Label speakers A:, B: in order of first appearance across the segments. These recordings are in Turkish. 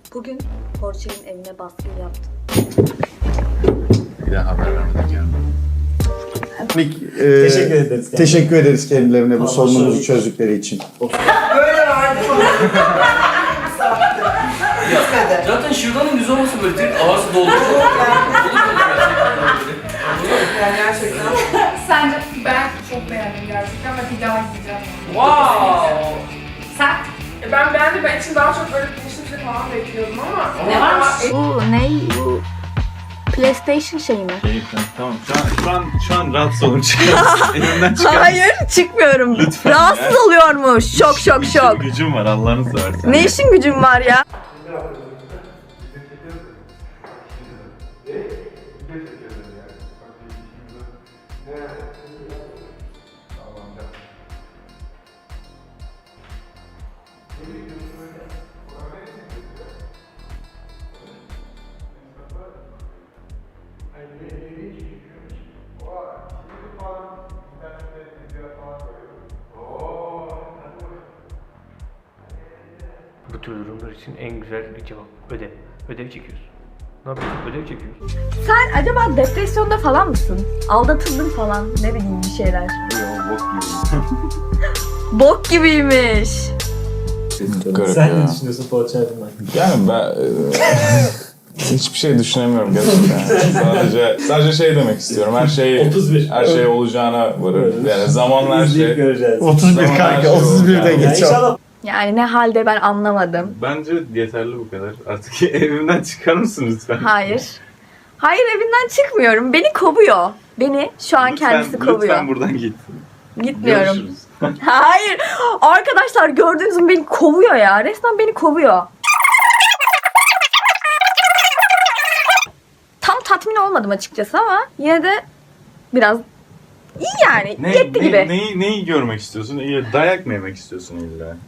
A: Bugün Porsche'nin evine baskın yaptım.
B: Bir daha haber vermeyeceğim.
C: Teşekkür ederiz.
D: Teşekkür ederiz kendilerine bu sorunumuzu çözdükleri için.
E: Böyle vardı mı?
F: Zaten şırdanın güzel olması böyle direkt ağzı dolduruyor.
E: Yani gerçekten.
G: Sence ben çok beğendim gerçekten ve bir daha gideceğim.
E: Wow.
G: Sen?
E: Ben beğendim. Ben için daha çok böyle pirinçli bir şey falan bekliyordum ama.
G: Ne varmış?
A: Bu ne? Bu PlayStation şeyi mi?
B: Keyiflen. Tamam. Şu an rahatsız olun. Elimden çıkar.
A: Hayır, çıkmıyorum.
B: Lütfen
A: Rahatsız
B: ya.
A: oluyormuş. Şok şok şok.
B: Gücüm var Allah'ını seversen.
A: Ne işin gücün var ya?
F: Bu tür durumlar için en güzel bir cevap ödev. Ödev çekiyorsun. Ne yapıyorsun? Ödev çekiyorsun.
A: Sen acaba depresyonda falan mısın? Aldatıldın falan. Ne bileyim bir şeyler.
B: Yo, bok gibi.
A: Bok gibiymiş.
B: Garip
C: Sen
B: ya.
C: ne düşünüyorsun Poğaça hakkında?
B: Yani ben hiçbir şey düşünemiyorum gerçekten. Sadece şey demek istiyorum. Her şey olacağına varır. Yani zamanla her
C: İzleyip
B: şey.
C: göreceğiz.
D: 31
B: Zaman
D: kanka,
B: her şey
D: 31'de
B: olacak.
C: Ya
D: geçiyor.
C: inşallah
A: Yani ne halde ben anlamadım.
B: Bence yeterli bu kadar. Artık evimden çıkar mısın lütfen?
A: Hayır. Hayır, evinden çıkmıyorum. Beni kovuyor. Beni şu an kendisi kovuyor.
B: Lütfen buradan git.
A: Gitmiyorum.
B: Görüşürüz.
A: Hayır. Arkadaşlar gördüğünüz gibi beni kovuyor ya. Resmen beni kovuyor. Tam tatmin olmadım açıkçası ama yine de biraz iyi yani. Yetti gibi.
B: Neyi görmek istiyorsun? Dayak mı yemek istiyorsun illa?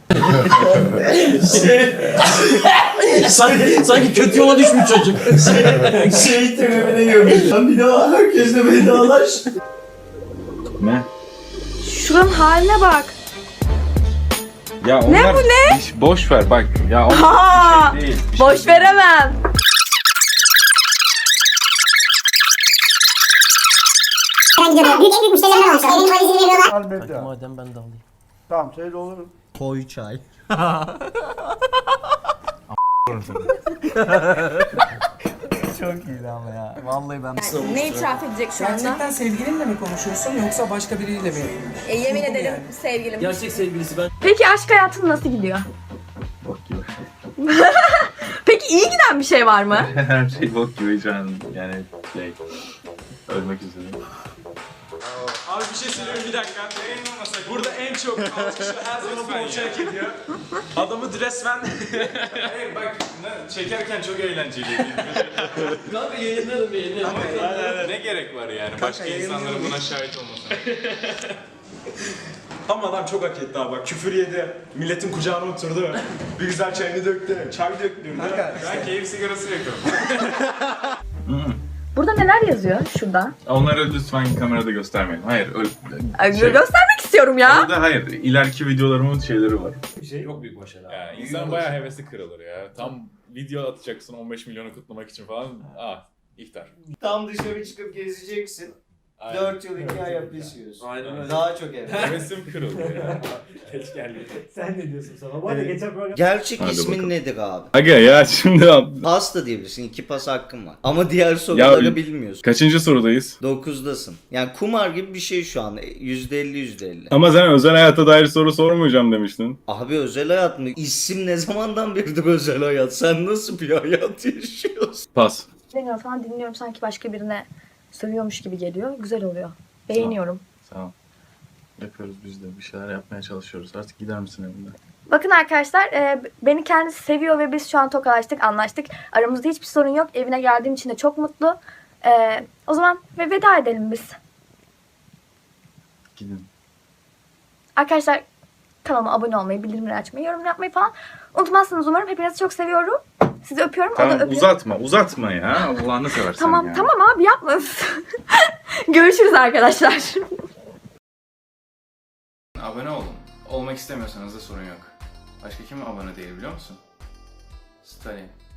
F: Sanki kötü yola düşmüş çocuk.
C: şey tribüne girmiş. Lan bir daha herkesle vedalaş.
B: Ne?
A: Şuranın haline bak.
B: Ya onlar
A: Ne bu ne?
B: Boş ver bak. Ya onlar
A: Ha,
B: bir şey değil.
A: boş veremem.
D: Elbette.
F: Madem ben de alayım.
D: Tamam söyle olur.
H: Koy çay. Çok iyiydi ama ya. Vallahi ben...
A: Ne itiraf edecek şu anda?
E: Gerçekten sevgilinle mi konuşuyorsun yoksa başka biriyle mi?
A: Yemin ederim sevgilim.
F: Gerçek sevgilisi ben.
A: Peki aşk hayatın nasıl gidiyor?
B: Bok gibi.
A: Peki iyi giden bir şey var mı?
B: Her şey bok gibi şu an. Yani ölmek üzere.
I: Abi bir şey söyleyeyim bir dakika. Burada en çok alkışı her zaman Poğaça hak ediyor. Adamı resmen... Hayır bak çekerken çok eğlenceliydi.
F: Kanka yayınlarım.
I: Ama ne gerek var yani başka insanların buna şahit olmasına. Ama adam çok hak etti abi bak küfür yedi, milletin kucağına oturdu, bir güzel çayını döktü, çay döktürdü. Ben keyif sigarası yakıyorum.
A: Burada neler yazıyor şurada?
B: Onları lütfen kamerada göstermeyin. Hayır.
A: Göstermek istiyorum ya.
B: Orada hayır. İleriki videolarımın şeyleri var.
F: Çok büyük başarı.
I: Ya insan bayağı hevesi kırılır ya. Tam video atacaksın 15 milyonu kutlamak için falan. İftar.
H: Tam dışarı çıkıp gezeceksin. 4 yıl 2 ay hapis yiyorsun.
F: Aynen öyle.
H: Daha çok evet.
I: Hevesim kırıldı ya.
F: Geç geldi.
C: Sen ne diyorsun sana? Bu arada geçen program...
H: Gerçek
B: Hadi
H: ismin
B: bakalım.
H: nedir abi?
B: Aga ya şimdi
H: Pas da diyebilirsin. 2 pas hakkın var. Ama diğer soruları
B: Ya-
H: bilmiyorsun.
B: kaçıncı sorudayız?
H: 9'dasın. Yani kumar gibi bir şey şu an. %50.
B: Ama sen özel hayata dair soru sormayacağım demiştin.
H: Abi özel hayat mı? İsim ne zamandan beridir özel hayat? Sen nasıl bir hayat yaşıyorsun?
B: Pas.
A: Dinliyorum falan dinliyorum sanki başka birine sövüyormuş gibi geliyor. Güzel oluyor. Beğeniyorum.
B: Sağ ol. Yapıyoruz biz de. Bir şeyler yapmaya çalışıyoruz. Artık gider misin evimden?
A: Bakın arkadaşlar beni kendisi seviyor ve biz şu an tokalaştık, anlaştık. Aramızda hiçbir sorun yok. Evine geldiğim için de çok mutlu. O zaman veda edelim biz.
B: Gidin.
A: Arkadaşlar kanalıma abone olmayı, bildirimleri açmayı, yorum yapmayı falan unutmazsınız umarım. Hepinizi çok seviyorum. Sizi öpüyorum. O da
B: Tamam
A: öpüyor.
B: uzatma ya. Allah'ını seversen
A: Tamam
B: ya.
A: tamam abi yapma. Görüşürüz arkadaşlar.
J: Abone olun. Olmak istemiyorsanız da sorun yok. Başka kim abone değil biliyor musun? Stalin.